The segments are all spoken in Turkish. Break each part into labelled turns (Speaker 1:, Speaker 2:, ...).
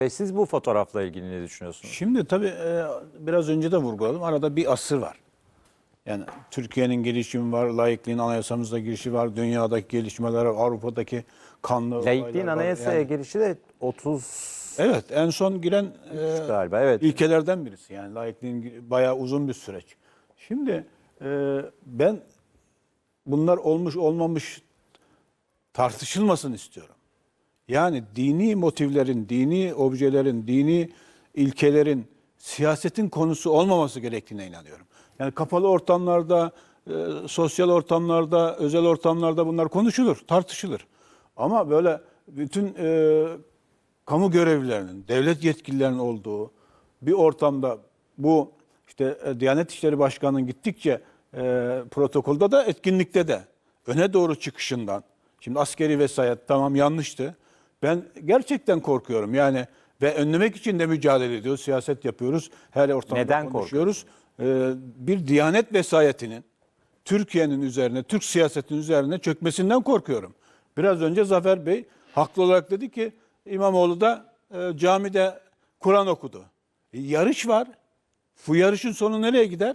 Speaker 1: Siz bu fotoğrafla ilgili ne düşünüyorsunuz?
Speaker 2: Şimdi tabii biraz önce de vurguladım. Arada bir asır var. Yani Türkiye'nin gelişimi var, laikliğin anayasamızda girişi var, dünyadaki gelişmeler, Avrupa'daki kanlı
Speaker 1: Laikliğin
Speaker 2: olaylar var.
Speaker 1: anayasaya
Speaker 2: Yani,
Speaker 1: girişi de 30
Speaker 2: evet, en son giren
Speaker 1: galiba. Evet.
Speaker 2: ilkelerden birisi. Yani laikliğin bayağı uzun bir süreç. Şimdi ben bunlar olmuş olmamış tartışılmasın istiyorum. Yani dini motivlerin, dini objelerin, dini ilkelerin siyasetin konusu olmaması gerektiğine inanıyorum. Yani kapalı ortamlarda, sosyal ortamlarda, özel ortamlarda bunlar konuşulur, tartışılır. Ama böyle bütün kamu görevlilerinin, devlet yetkililerinin olduğu bir ortamda bu işte Diyanet İşleri Başkanı'nın gittikçe protokolda da etkinlikte de öne doğru çıkışından, şimdi askeri vesayet tamam yanlıştı. Ben gerçekten korkuyorum yani ve önlemek için de mücadele ediyoruz, siyaset yapıyoruz, her ortamda
Speaker 1: Neden
Speaker 2: konuşuyoruz. Bir Diyanet vesayetinin Türkiye'nin üzerine, Türk siyasetinin üzerine çökmesinden korkuyorum. Biraz önce Zafer Bey haklı olarak dedi ki İmamoğlu da camide Kur'an okudu. Yarış var. Bu yarışın sonu nereye gider?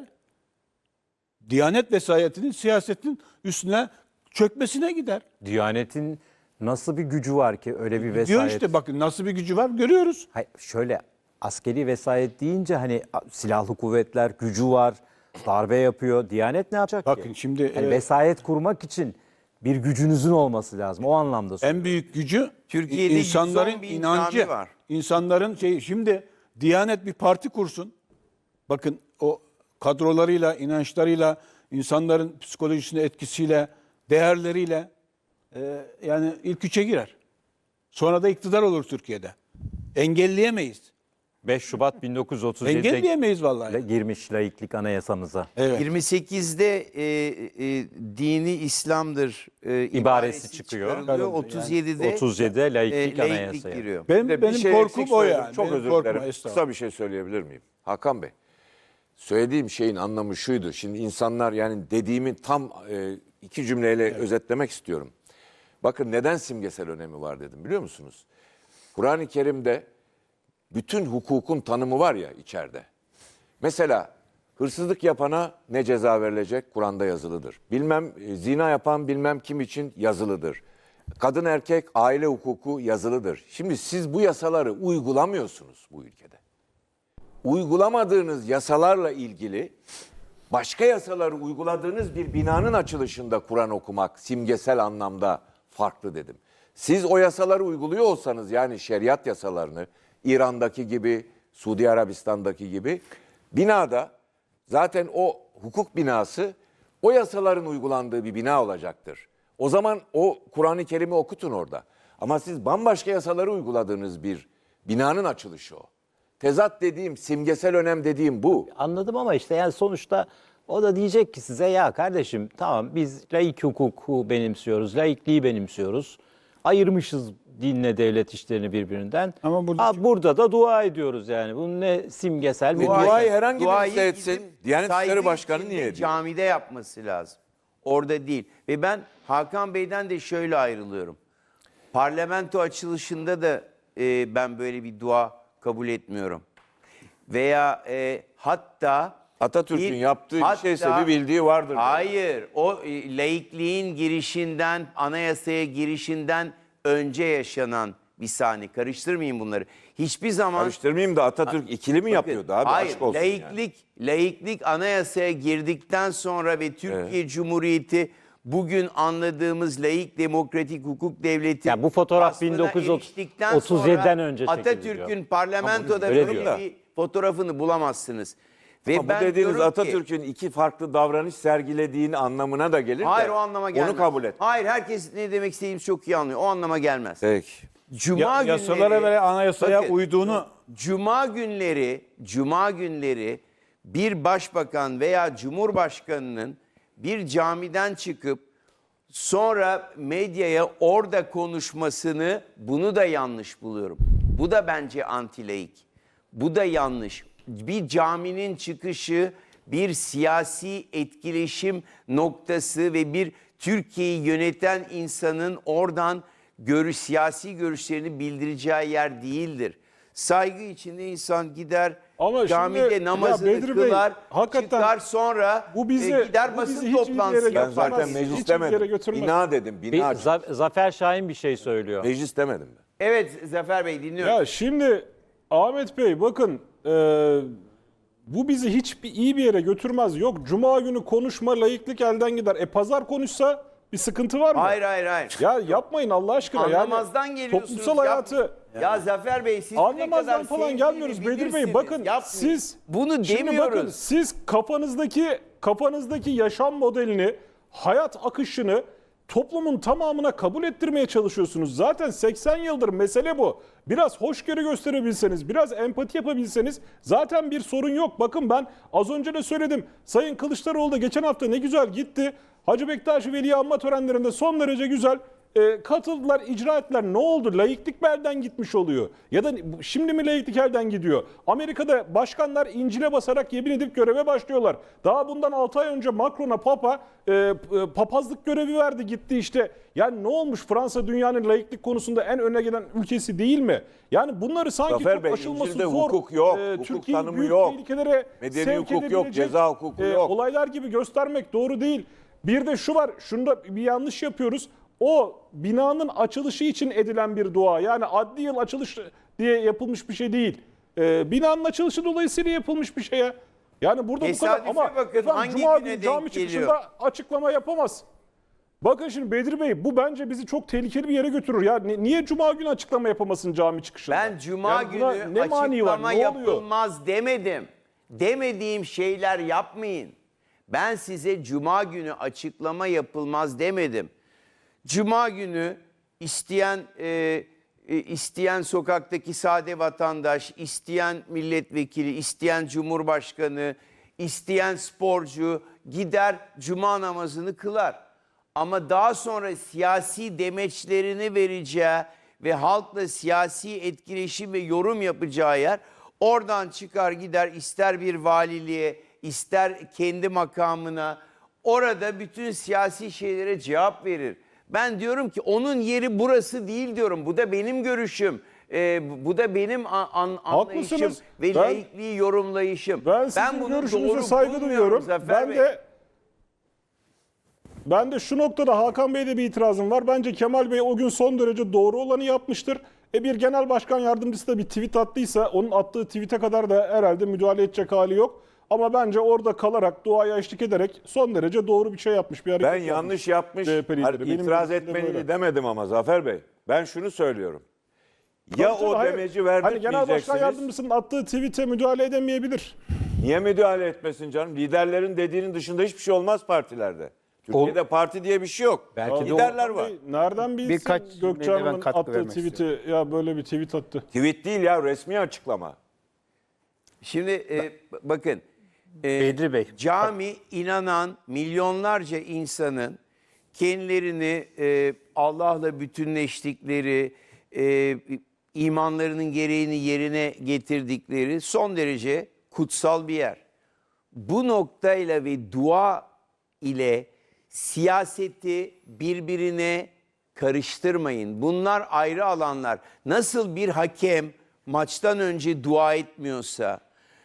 Speaker 2: Diyanet vesayetinin siyasetin üstüne çökmesine gider.
Speaker 1: Diyanet'in nasıl bir gücü var ki öyle bir vesayet?
Speaker 2: Diyor işte bakın nasıl bir gücü var görüyoruz.
Speaker 1: Hayır, şöyle askeri vesayet deyince hani silahlı kuvvetler gücü var, darbe yapıyor. Diyanet ne yapacak
Speaker 2: Bakın
Speaker 1: ki?
Speaker 2: şimdi
Speaker 1: Hani vesayet kurmak için bir gücünüzün olması lazım. O anlamda söylüyorum.
Speaker 2: en büyük gücü
Speaker 3: Türkiye'de
Speaker 2: insanların
Speaker 3: 110 bin
Speaker 2: inancı.
Speaker 3: cami var.
Speaker 2: İnsanların şeyi. Şimdi Diyanet bir parti kursun. Bakın o kadrolarıyla, inançlarıyla, insanların psikolojisine etkisiyle, değerleriyle yani ilk üçe girer. Sonra da iktidar olur Türkiye'de. Engelleyemeyiz.
Speaker 1: 5 Şubat 1937'de
Speaker 2: Engelleyemeyiz vallahi.
Speaker 1: girmiş laiklik anayasamıza.
Speaker 2: Evet.
Speaker 3: 28'de dini İslam'dır
Speaker 1: İbaresi çıkıyor.
Speaker 3: çıkarılıyor.
Speaker 2: Yani
Speaker 3: 37'de
Speaker 1: 37'de laiklik
Speaker 3: laiklik
Speaker 1: anayasaya.
Speaker 3: giriyor.
Speaker 2: Benim
Speaker 4: Bir şey
Speaker 2: korkum
Speaker 4: eksik
Speaker 2: o
Speaker 4: söyledim.
Speaker 2: yani.
Speaker 4: Çok
Speaker 2: Benim
Speaker 4: özür
Speaker 2: korkum
Speaker 4: dilerim.
Speaker 2: o, estağfurullah.
Speaker 4: Kısa bir şey söyleyebilir miyim? Hakan Bey, söylediğim şeyin anlamı şuydu. Şimdi insanlar yani dediğimi tam iki cümleyle özetlemek istiyorum. Bakın neden simgesel önemi var dedim biliyor musunuz? Kur'an-ı Kerim'de bütün hukukun tanımı var ya içeride. Mesela hırsızlık yapana ne ceza verilecek? Kur'an'da yazılıdır. Bilmem zina yapan bilmem kim için yazılıdır. Kadın erkek aile hukuku yazılıdır. Şimdi siz bu yasaları uygulamıyorsunuz bu ülkede. Uygulamadığınız yasalarla ilgili başka yasaları uyguladığınız bir binanın açılışında Kur'an okumak simgesel anlamda farklı dedim. Siz o yasaları uyguluyor olsanız yani şeriat yasalarını İran'daki gibi, Suudi Arabistan'daki gibi binada zaten o hukuk binası o yasaların uygulandığı bir bina olacaktır. O zaman o Kur'an-ı Kerim'i okutun orada. Ama siz bambaşka yasaları uyguladığınız bir binanın açılışı o. Tezat dediğim, simgesel önem dediğim bu.
Speaker 1: Anladım ama işte yani sonuçta o da diyecek ki size ya kardeşim tamam biz laik hukuku benimsiyoruz, laikliği benimsiyoruz. Ayırmışız dinle devlet işlerini birbirinden.
Speaker 2: Ama
Speaker 1: burada da dua ediyoruz yani. Bunun ne simgesel bir
Speaker 4: Duayı herhangi
Speaker 3: Duayı
Speaker 4: birisi etsin.
Speaker 3: gidip
Speaker 4: Diyanet
Speaker 3: saygı
Speaker 4: İşleri Başkanı
Speaker 3: içinde
Speaker 4: niye ediyor?
Speaker 3: camide yapması lazım. Orada değil. Ve ben Hakan Bey'den de şöyle ayrılıyorum. Parlamento açılışında da ben böyle bir dua kabul etmiyorum. Veya hatta
Speaker 4: Atatürk'ün yaptığı bir şeyse bir bildiği vardır.
Speaker 3: Hayır. O laikliğin girişinden, anayasaya girişinden önce yaşanan bir saniye. Karıştırmayın bunları. Hiçbir zaman...
Speaker 4: Karıştırmayayım da Atatürk ikili mi yapıyordu abi?
Speaker 3: Hayır,
Speaker 4: Aşk olsun yani.
Speaker 3: laiklik anayasaya girdikten sonra ve Türkiye Cumhuriyeti bugün anladığımız laik demokratik hukuk devleti
Speaker 1: Ya bu fotoğraf
Speaker 3: vasfına
Speaker 1: 1937'den
Speaker 3: eriştikten sonra
Speaker 1: önce çekildi
Speaker 3: Atatürk'ün
Speaker 1: diyor.
Speaker 3: parlamentoda
Speaker 1: Öyle
Speaker 3: böyle
Speaker 1: diyor.
Speaker 3: bir fotoğrafını bulamazsınız. Ve
Speaker 4: Ama bu
Speaker 3: ben
Speaker 4: dediğiniz
Speaker 3: diyorum ki-
Speaker 4: Atatürk'ün iki farklı davranış sergilediğini anlamına da gelir
Speaker 3: Hayır
Speaker 4: de
Speaker 3: o anlama gelmez.
Speaker 4: onu kabul et.
Speaker 3: Hayır herkes ne demek istediğimizi çok iyi anlıyor. O anlama gelmez.
Speaker 4: Peki.
Speaker 3: Cuma
Speaker 2: Yasalara ve anayasaya
Speaker 3: Bakın,
Speaker 2: uyduğunu
Speaker 3: Cuma günleri bir başbakan veya cumhurbaşkanının bir camiden çıkıp sonra medyaya orada konuşmasını bunu da yanlış buluyorum. Bu da bence antilaik. Bu da yanlış. Bir caminin çıkışı bir siyasi etkileşim noktası ve bir Türkiye'yi yöneten insanın oradan siyasi görüşlerini bildireceği yer değildir. Saygı içinde insan gider
Speaker 2: Ama
Speaker 3: camide
Speaker 2: şimdi,
Speaker 3: namazını
Speaker 2: ya Bedri Bey,
Speaker 3: kılar,
Speaker 2: hakikaten
Speaker 3: çıkar sonra
Speaker 2: bu bizi
Speaker 3: gider
Speaker 2: bu
Speaker 3: basın
Speaker 2: bizi hiç iyi bir yere
Speaker 3: toplantısı
Speaker 4: Ben
Speaker 2: götürmez.
Speaker 3: yapar.
Speaker 4: zaten
Speaker 2: Hiçbir
Speaker 4: meclis
Speaker 2: yere
Speaker 4: demedim.
Speaker 2: götürmez.
Speaker 4: Bina dedim.
Speaker 1: Bir
Speaker 4: Bina.
Speaker 1: Zafer Şahin bir şey söylüyor.
Speaker 4: Meclis demedim ben.
Speaker 3: Evet Zafer Bey dinliyorum.
Speaker 2: Ya şimdi Ahmet Bey bakın bu bizi hiçbir iyi bir yere götürmez. Yok Cuma günü konuşma laiklik elden gider. Pazar konuşsa bir sıkıntı var mı?
Speaker 3: Hayır hayır hayır.
Speaker 2: Ya yapmayın Allah aşkına.
Speaker 3: Anlamazdan
Speaker 2: yani,
Speaker 3: geliyorsunuz.
Speaker 2: toplumsal hayatı.
Speaker 3: Ya Zafer Bey siz ne kadar
Speaker 2: Anlamazdan falan
Speaker 3: sevdiğini
Speaker 2: gelmiyoruz Bedir Bey.
Speaker 3: bilirsiniz.
Speaker 2: Bakın
Speaker 3: Yapmayın.
Speaker 2: siz
Speaker 3: Bunu
Speaker 2: şimdi
Speaker 3: demiyoruz.
Speaker 2: bakın siz kafanızdaki yaşam modelini, hayat akışını toplumun tamamına kabul ettirmeye çalışıyorsunuz. Zaten 80 yıldır mesele bu. Biraz hoşgörü gösterebilseniz, biraz empati yapabilseniz zaten bir sorun yok. Bakın ben az önce de söyledim. Sayın Kılıçdaroğlu da geçen hafta ne güzel gitti. Hacı Bektaş Veli'yi anma törenlerinde son derece güzel katıldılar, icra ettiler. Ne oldu? Laiklik mi elden gitmiş oluyor? Ya da şimdi mi laiklik elden gidiyor? Amerika'da başkanlar İncil'e basarak yemin edip göreve başlıyorlar. Daha bundan 6 ay önce Macron'a Papa papazlık görevi verdi gitti işte. Yani ne olmuş? Fransa dünyanın laiklik konusunda en öne gelen ülkesi değil mi? Yani bunları sanki
Speaker 4: Zafer
Speaker 2: çok
Speaker 4: Bey,
Speaker 2: aşılması
Speaker 4: İncil'de
Speaker 2: zor.
Speaker 4: hukuk yok, hukuk
Speaker 2: Türkiye'yi
Speaker 4: tanımı
Speaker 2: büyük
Speaker 4: yok.
Speaker 2: tehlikelere
Speaker 4: Medeni
Speaker 2: sevk
Speaker 4: hukuk yok,
Speaker 2: edebilecek,
Speaker 4: ceza hukuku yok.
Speaker 2: Olaylar gibi göstermek doğru değil. Bir de şu var, şunda bir yanlış yapıyoruz. O binanın açılışı için edilen bir dua. Yani adli yıl açılış diye yapılmış bir şey değil. Binanın açılışı dolayısıyla yapılmış bir şey ya. Yani burada bu kadar
Speaker 3: Tesadüfe
Speaker 2: ama
Speaker 3: bakın, hangi
Speaker 2: Cuma
Speaker 3: güne
Speaker 2: günü cami
Speaker 3: denk
Speaker 2: çıkışında
Speaker 3: geliyor?
Speaker 2: açıklama yapamaz. Bakın şimdi Bedir Bey bu bence bizi çok tehlikeli bir yere götürür. Ya niye Cuma günü açıklama yapamasın cami çıkışında?
Speaker 3: Ben Cuma
Speaker 2: Yani buna
Speaker 3: günü
Speaker 2: ne mani var?
Speaker 3: açıklama
Speaker 2: Ne oluyor?
Speaker 3: yapılmaz demedim. Demediğim şeyler yapmayın. Ben size Cuma günü açıklama yapılmaz demedim. Cuma günü isteyen sokaktaki sade vatandaş, isteyen milletvekili, isteyen cumhurbaşkanı, isteyen sporcu gider Cuma namazını kılar. Ama daha sonra siyasi demeçlerini vereceği ve halkla siyasi etkileşim ve yorum yapacağı yer oradan çıkar gider ister bir valiliğe ister kendi makamına orada bütün siyasi şeylere cevap verir. Ben diyorum ki onun yeri burası değil diyorum. Bu da benim görüşüm. Bu da benim anlayışım
Speaker 2: Haklısınız.
Speaker 3: ve laikliği yorumlayışım.
Speaker 2: Ben sizin
Speaker 3: bunu
Speaker 2: görüşünüze
Speaker 3: doğru
Speaker 2: saygı
Speaker 3: bulmuyorum
Speaker 2: duyuyorum.
Speaker 3: Zafer Bey.
Speaker 2: Ben de şu noktada Hakan Bey'de bir itirazım var. Bence Kemal Bey o gün son derece doğru olanı yapmıştır. Bir genel başkan yardımcısı da bir tweet attıysa onun attığı tweet'e kadar da herhalde müdahale edecek hali yok. Ama bence orada kalarak, duaya eşlik ederek son derece doğru bir şey yapmış. Bir hareket
Speaker 4: Ben yanlış yapmış,
Speaker 2: CHP lideri.
Speaker 4: hayır,
Speaker 2: Benim
Speaker 4: itiraz
Speaker 2: görüşüm de
Speaker 4: etmeli
Speaker 2: böyle.
Speaker 4: demedim ama Zafer Bey. Ben şunu söylüyorum. Ya
Speaker 2: Tabii,
Speaker 4: o
Speaker 2: hayır.
Speaker 4: demeci
Speaker 2: Hani genel başkan
Speaker 4: verdirtmeyeceksiniz.
Speaker 2: yardımcısının attığı tweet'e müdahale edemeyebilir.
Speaker 4: Niye müdahale etmesin canım? Liderlerin dediğinin dışında hiçbir şey olmaz partilerde. Türkiye'de parti diye bir şey yok.
Speaker 1: Belki de
Speaker 4: liderler var.
Speaker 2: Nereden bilsin
Speaker 5: Birkaç cümleyle
Speaker 2: Gökçe
Speaker 5: ben katkı
Speaker 2: attığı
Speaker 5: vermek
Speaker 2: tweet'i ya böyle bir tweet attı.
Speaker 4: Tweet değil ya, resmi açıklama.
Speaker 3: Şimdi bakın
Speaker 5: Bedri Bey.
Speaker 3: cami inanan milyonlarca insanın kendilerini Allah'la bütünleştikleri, imanlarının gereğini yerine getirdikleri son derece kutsal bir yer. Bu noktayla ve dua ile siyaseti birbirine karıştırmayın. Bunlar ayrı alanlar. Nasıl bir hakem maçtan önce dua etmiyorsa,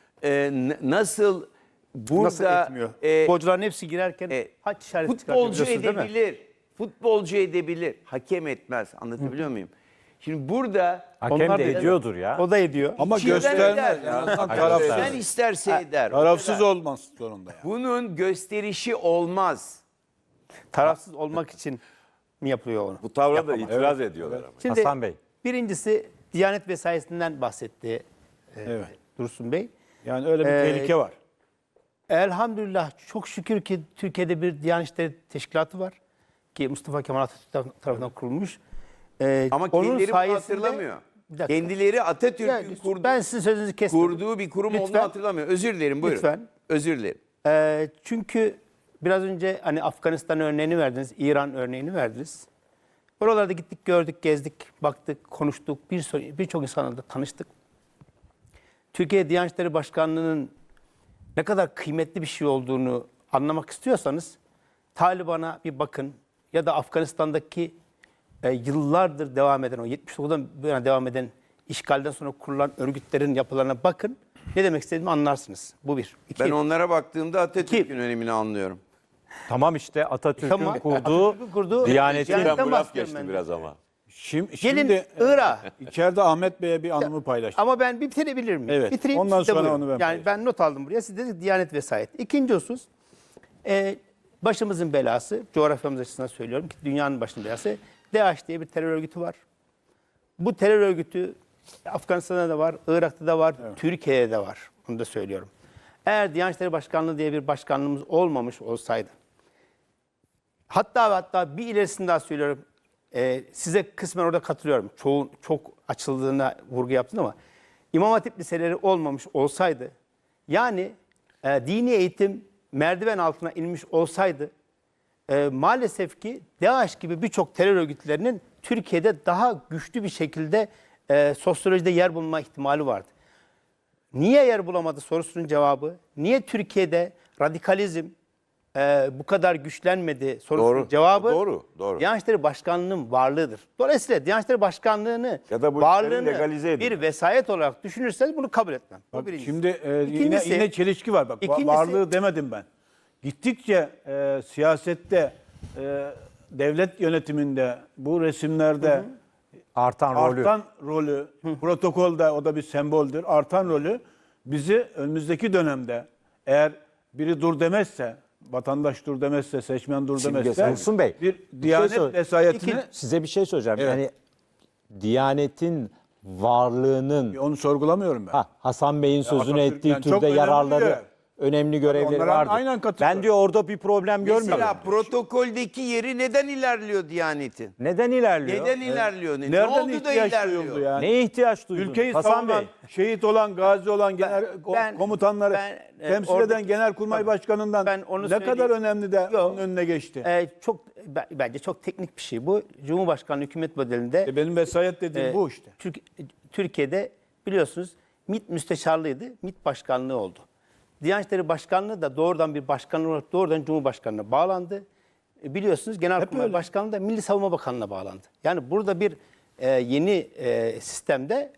Speaker 3: nasıl burada
Speaker 5: Nasıl etmiyor? Futbolcuların hepsi girerken haç işareti
Speaker 3: futbolcu
Speaker 5: çıkartıyor, biliyorsunuz değil mi?
Speaker 3: edebilir. Futbolcu edebilir. Hakem etmez. Anlatabiliyor muyum? Şimdi burada
Speaker 1: Hakem
Speaker 5: Onlar
Speaker 1: de
Speaker 5: da-
Speaker 1: ediyordur ya.
Speaker 5: O da ediyor.
Speaker 2: Ama
Speaker 3: İçinden
Speaker 2: göstermez.
Speaker 3: eder.
Speaker 2: Yani
Speaker 3: sen
Speaker 2: tarafsız,
Speaker 3: isterse eder. O
Speaker 2: tarafsız
Speaker 3: kadar.
Speaker 2: olmaz zorunda yani.
Speaker 3: Bunun gösterişi olmaz.
Speaker 5: Tarafsız olmak için mi yapılıyor onu?
Speaker 4: Bu tavra da itiraz ediyorlar ama.
Speaker 5: Şimdi
Speaker 1: Hasan Bey.
Speaker 5: birincisi Diyanet vesairesinden bahsetti
Speaker 2: Evet.
Speaker 5: Dursun Bey.
Speaker 2: Yani öyle bir tehlike var.
Speaker 5: Elhamdülillah çok şükür ki Türkiye'de bir Diyanet İşleri Teşkilatı var. Ki Mustafa Kemal Atatürk tarafından kurulmuş.
Speaker 3: Ama
Speaker 5: Onun
Speaker 3: kendileri bunu
Speaker 5: sayesinde-
Speaker 3: hatırlamıyor.
Speaker 5: Bir dakika.
Speaker 3: Kendileri Atatürk'ün
Speaker 5: Yani
Speaker 3: kurduğu,
Speaker 5: ben sizin sözünüzü kestim.
Speaker 3: kurduğu bir kurum olduğunu
Speaker 5: Lütfen.
Speaker 3: hatırlamıyor. Özür dilerim buyurun.
Speaker 5: Lütfen.
Speaker 3: Özür dilerim.
Speaker 5: Çünkü biraz önce hani Afganistan örneğini verdiniz, İran örneğini verdiniz. Oralarda gittik, gördük, gezdik, baktık, konuştuk, birçok insanla da tanıştık. Türkiye Diyanet İşleri Başkanlığı'nın ne kadar kıymetli bir şey olduğunu anlamak istiyorsanız Taliban'a bir bakın ya da Afganistan'daki yıllardır devam eden, o 79'dan bu yana devam eden işgalden sonra kurulan örgütlerin yapılarına bakın. Ne demek istediğimi anlarsınız. Bu bir. İki,
Speaker 3: Ben onlara baktığımda Atatürk'ün
Speaker 5: İki.
Speaker 3: önemini anlıyorum.
Speaker 1: Tamam işte Atatürk'ün
Speaker 5: Tamam,
Speaker 1: kurduğu,
Speaker 5: Atatürk'ün kurduğu
Speaker 1: Diyanet'in
Speaker 5: Diyanet'ten
Speaker 4: Ben bu laf
Speaker 5: bahsediyorum
Speaker 4: geçti
Speaker 5: ben de.
Speaker 4: biraz ama.
Speaker 2: Şimdi,
Speaker 5: Gelin Irak'a.
Speaker 2: içeride Ahmet Bey'e bir anımı paylaştım.
Speaker 5: Ama ben bitirebilir miyim?
Speaker 2: Evet,
Speaker 5: Bitireyim,
Speaker 2: ondan
Speaker 5: siz de
Speaker 2: sonra
Speaker 5: buyurun.
Speaker 2: onu ben
Speaker 5: Yani
Speaker 2: paylaşayım.
Speaker 5: ben not aldım buraya. Siz de Diyanet vesayet. İkinci husus, başımızın belası, coğrafyamız açısından söylüyorum ki dünyanın başının belası, DAEŞ diye bir terör örgütü var. Bu terör örgütü Afganistan'da da var, Irak'ta da var, Türkiye'de de var. Bunu da söylüyorum. Eğer Diyanet İşleri Başkanlığı diye bir başkanlığımız olmamış olsaydı, hatta bir ilerisini daha söylüyorum, size kısmen orada katılıyorum. Çok açıldığına vurgu yaptın ama İmam Hatip liseleri olmamış olsaydı, yani dini eğitim merdiven altına inmiş olsaydı, maalesef ki DAEŞ gibi birçok terör örgütlerinin Türkiye'de daha güçlü bir şekilde sosyolojide yer bulma ihtimali vardı. Niye yer bulamadı sorusunun cevabı, niye Türkiye'de radikalizm bu kadar güçlenmedi sorusunun
Speaker 4: Doğru,
Speaker 5: cevabı
Speaker 4: doğru.
Speaker 5: Diyanet İşleri Başkanlığı'nın varlığıdır. Dolayısıyla Diyanet İşleri Başkanlığı'nı
Speaker 4: Ya da bu işlerin
Speaker 5: varlığını
Speaker 4: legalize edilmesi.
Speaker 5: bir vesayet olarak düşünürseniz bunu kabul etmem. Bu
Speaker 2: Bak,
Speaker 5: birincisi.
Speaker 2: şimdi
Speaker 5: İkincisi-
Speaker 2: yine çelişki var. Bak
Speaker 5: İkincisi-
Speaker 2: varlığı demedim ben. Gittikçe siyasette, devlet yönetiminde, bu resimlerde
Speaker 1: artan rolü.
Speaker 2: artan rolü, protokolde o da bir semboldür. Artan rolü bizi önümüzdeki dönemde eğer biri dur demezse, vatandaş dur demezse, seçmen dur demezse,
Speaker 1: Dursun Bey,
Speaker 2: bir
Speaker 1: bir
Speaker 2: Diyanet
Speaker 1: şey söyle-
Speaker 2: vesayetini
Speaker 1: Size bir şey söyleyeceğim.
Speaker 2: Evet.
Speaker 1: Yani Diyanet'in varlığının
Speaker 2: onu sorgulamıyorum ben.
Speaker 1: Hasan Bey'in sözünü
Speaker 2: Atatürk
Speaker 1: ettiği
Speaker 2: yani çok
Speaker 1: türde
Speaker 2: önemli
Speaker 1: yararları,
Speaker 2: diyor.
Speaker 1: önemli görevleri
Speaker 2: onlara
Speaker 1: vardır.
Speaker 2: aynen katılıyorum.
Speaker 1: Ben diyor orada bir problem görmüyorum.
Speaker 3: Mesela protokoldeki yeri neden ilerliyor Diyanet'in?
Speaker 1: Neden ilerliyor?
Speaker 3: Neden ilerliyor? Ne
Speaker 2: Nereden
Speaker 3: oldu da
Speaker 2: ihtiyaç
Speaker 3: ilerliyor?
Speaker 2: duyuldu yani?
Speaker 1: Neye ihtiyaç duydun?
Speaker 2: Ülkeyi
Speaker 1: Hasan
Speaker 2: savunan,
Speaker 1: Bey.
Speaker 2: şehit olan, gazi olan
Speaker 5: ben-
Speaker 2: komutanları temsil
Speaker 5: oradaki-
Speaker 2: eden Genelkurmay Başkanı'ndan
Speaker 5: Ben onu
Speaker 2: ne
Speaker 5: söyleyeyim.
Speaker 2: kadar önemli de
Speaker 5: Yok.
Speaker 2: onun önüne geçti.
Speaker 5: Bence çok teknik bir şey bu. Cumhurbaşkanlığı hükümet modelinde
Speaker 2: Benim vesayet dediğim bu işte.
Speaker 5: Türkiye'de biliyorsunuz MİT müsteşarlığıydı, MİT başkanlığı oldu. Diyanet İşleri Başkanlığı da doğrudan bir başkanlık olarak doğrudan Cumhurbaşkanlığına bağlandı. Biliyorsunuz Genelkurmay Başkanlığı da Milli Savunma Bakanlığı'na bağlandı. Yani burada bir yeni sistemde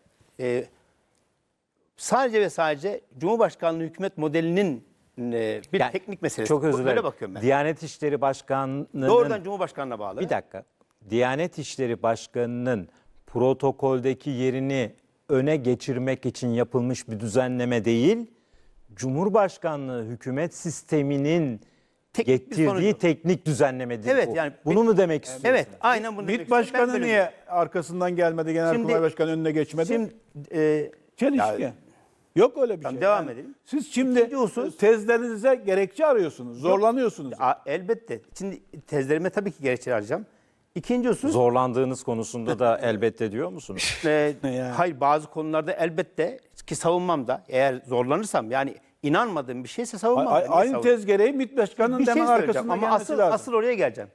Speaker 5: sadece ve sadece Cumhurbaşkanlığı hükümet modelinin bir
Speaker 1: Yani
Speaker 5: teknik meselesi.
Speaker 1: Çok özür
Speaker 5: Böyle
Speaker 1: dilerim.
Speaker 5: bakıyorum ben.
Speaker 1: Diyanet İşleri Başkanlığı'nın...
Speaker 5: Doğrudan Cumhurbaşkanlığına bağlı.
Speaker 1: Bir dakika. Diyanet İşleri Başkanı'nın protokoldeki yerini öne geçirmek için yapılmış bir düzenleme değil, Cumhurbaşkanlığı hükümet sisteminin
Speaker 5: Teknik bir
Speaker 1: getirdiği
Speaker 5: sonucu.
Speaker 1: teknik düzenlemedir
Speaker 5: Evet,
Speaker 1: bu.
Speaker 5: yani
Speaker 1: Bunu mu demek istiyorsun?
Speaker 5: Evet, aynen bunu demek
Speaker 2: MİT
Speaker 5: istiyorum. Ben
Speaker 2: Başkanı
Speaker 5: böyle
Speaker 2: niye arkasından gelmedi, Genelkurmay
Speaker 5: Şimdi-
Speaker 2: Başkanı önüne geçmedi?
Speaker 5: Şimdi
Speaker 2: Çelişki.
Speaker 5: ya-
Speaker 2: Yok öyle bir
Speaker 5: Tamam,
Speaker 2: şey.
Speaker 5: devam edelim.
Speaker 2: Siz şimdi
Speaker 5: İkinci husus-
Speaker 2: tezlerinize gerekçe arıyorsunuz, zorlanıyorsunuz.
Speaker 5: elbette. Şimdi tezlerime tabii ki gerekçe arayacağım. İkinci husus,
Speaker 1: Zorlandığınız konusunda da elbette diyor musunuz?
Speaker 5: hayır bazı konularda elbette ki savunmam da eğer zorlanırsam yani inanmadığım bir şeyse savunmam. Niye
Speaker 2: Aynı
Speaker 5: savunayım?
Speaker 2: tez gereği MİT Başkanı'nın
Speaker 5: Bir şey
Speaker 2: hemen
Speaker 5: söyleyeceğim
Speaker 2: arkasından
Speaker 5: ama
Speaker 2: gelmesi lazım.
Speaker 5: asıl oraya geleceğim.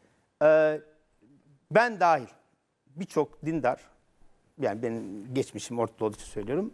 Speaker 5: Ben dahil birçok dindar, yani benim geçmişim ortada olduğu için söylüyorum.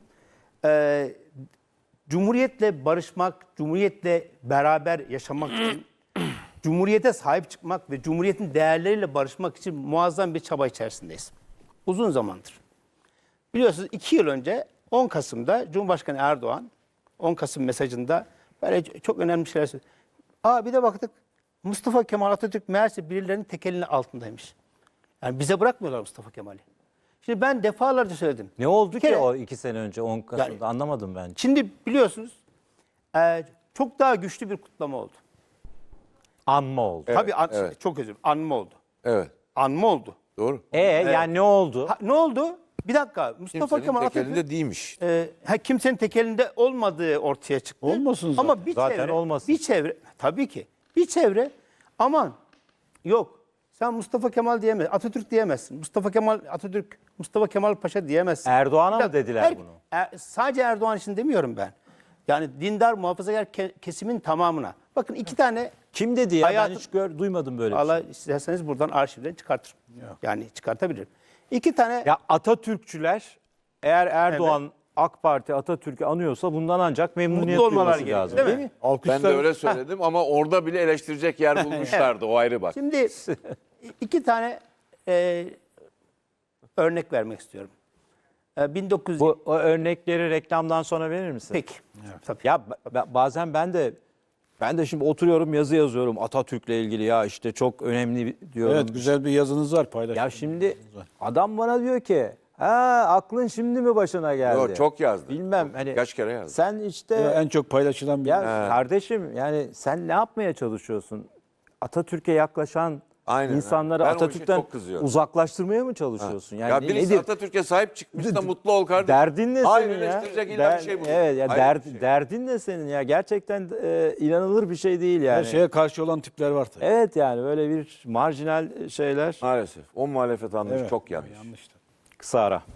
Speaker 5: Cumhuriyetle barışmak, cumhuriyetle beraber yaşamak için, cumhuriyete sahip çıkmak ve cumhuriyetin değerleriyle barışmak için muazzam bir çaba içerisindeyiz. Uzun zamandır. Biliyorsunuz 2 yıl önce 10 Kasım'da Cumhurbaşkanı Erdoğan 10 Kasım mesajında böyle çok önemli şeyler söyledi. Bir de baktık Mustafa Kemal Atatürk meğerse birilerinin tekelinin altındaymış. Yani bize bırakmıyorlar Mustafa Kemal'i. Şimdi ben defalarca söyledim.
Speaker 1: Ne oldu
Speaker 5: Bir
Speaker 1: ki
Speaker 5: kere-
Speaker 1: o 2 sene önce 10 Kasım'da
Speaker 5: Yani-
Speaker 1: anlamadım ben.
Speaker 5: Şimdi biliyorsunuz çok daha güçlü bir kutlama oldu.
Speaker 1: Anma oldu.
Speaker 5: Tabii
Speaker 4: evet.
Speaker 5: çok özür dilerim. Anma oldu.
Speaker 4: Evet.
Speaker 5: Anma oldu.
Speaker 4: Doğru.
Speaker 1: Yani ne oldu?
Speaker 5: Ne oldu? Bir dakika. Mustafa
Speaker 4: Kimsenin
Speaker 5: Kemal
Speaker 4: tekelinde
Speaker 5: Atatürk
Speaker 4: değilmiş.
Speaker 5: kimsenin tekelinde olmadığı ortaya çıktı.
Speaker 2: Olmasın zaten.
Speaker 5: Ama bir
Speaker 1: Zaten
Speaker 5: çevre,
Speaker 1: olmasın.
Speaker 5: bir çevre tabii ki. Bir çevre aman yok. Sen Mustafa Kemal diyemezsin. Atatürk diyemezsin. Mustafa Kemal Atatürk, Mustafa Kemal Paşa diyemezsin.
Speaker 1: Erdoğan'a
Speaker 5: Bir
Speaker 1: mı
Speaker 5: dakika,
Speaker 1: dediler bunu?
Speaker 5: Sadece Erdoğan için demiyorum ben. Yani dindar muhafazakar kesimin tamamına. Bakın 2 tane
Speaker 1: Kim dedi ya?
Speaker 5: Hayatım-
Speaker 1: Ben hiç duymadım böyle bir şey.
Speaker 5: Allah isterseniz buradan arşivden çıkartırım. Yani çıkartabilirim. 2 tane
Speaker 1: Ya Atatürkçüler eğer Erdoğan AK Parti Atatürk'ü anıyorsa bundan ancak memnuniyet
Speaker 5: mutlu olmalar
Speaker 1: duyması
Speaker 5: gerekiyor.
Speaker 1: lazım.
Speaker 5: Değil
Speaker 1: Değil
Speaker 5: mi?
Speaker 1: mi?
Speaker 4: Ben de öyle söyledim ama orada bile eleştirecek yer bulmuşlardı. O ayrı bak.
Speaker 5: Şimdi 2 tane örnek vermek istiyorum. 1900
Speaker 1: Bu o örnekleri reklamdan sonra verir misin?
Speaker 5: peki. Tabii.
Speaker 1: Ya bazen ben de şimdi oturuyorum yazı yazıyorum Atatürk'le ilgili ya işte çok önemli diyorum.
Speaker 2: Evet, güzel bir yazınız var, paylaşın.
Speaker 1: Ya şimdi adam bana diyor ki ha aklın şimdi mi başına geldi?
Speaker 4: Yo, çok yazdı.
Speaker 1: Bilmem hani
Speaker 4: Kaç kere yazdı.
Speaker 1: sen işte
Speaker 2: Ya en çok paylaşılan bir
Speaker 1: ya kardeşim yani sen ne yapmaya çalışıyorsun? Atatürk'e yaklaşan
Speaker 4: Aynen,
Speaker 1: insanları
Speaker 4: ben o işe
Speaker 1: Atatürk'ten
Speaker 4: çok kızıyorum.
Speaker 1: uzaklaştırmaya mı çalışıyorsun? Yani
Speaker 4: Ya birisi
Speaker 1: nedir?
Speaker 4: Atatürk'e sahip çıkmış da mutlu ol kardeşim.
Speaker 1: Derdin ne
Speaker 4: Hayır,
Speaker 1: senin ya?
Speaker 4: eleştirecek illa bir şey bulun.
Speaker 1: Evet ya
Speaker 4: Hayır, bir şey.
Speaker 1: derdin ne senin ya? Gerçekten inanılır bir şey değil yani.
Speaker 2: her şeye karşı olan tipler var tabii.
Speaker 1: Evet yani böyle bir marjinal şeyler.
Speaker 4: Maalesef. O muhalefet anlayışı
Speaker 2: Evet,
Speaker 4: çok yanlış.
Speaker 2: yanlış.
Speaker 1: Kısa ara.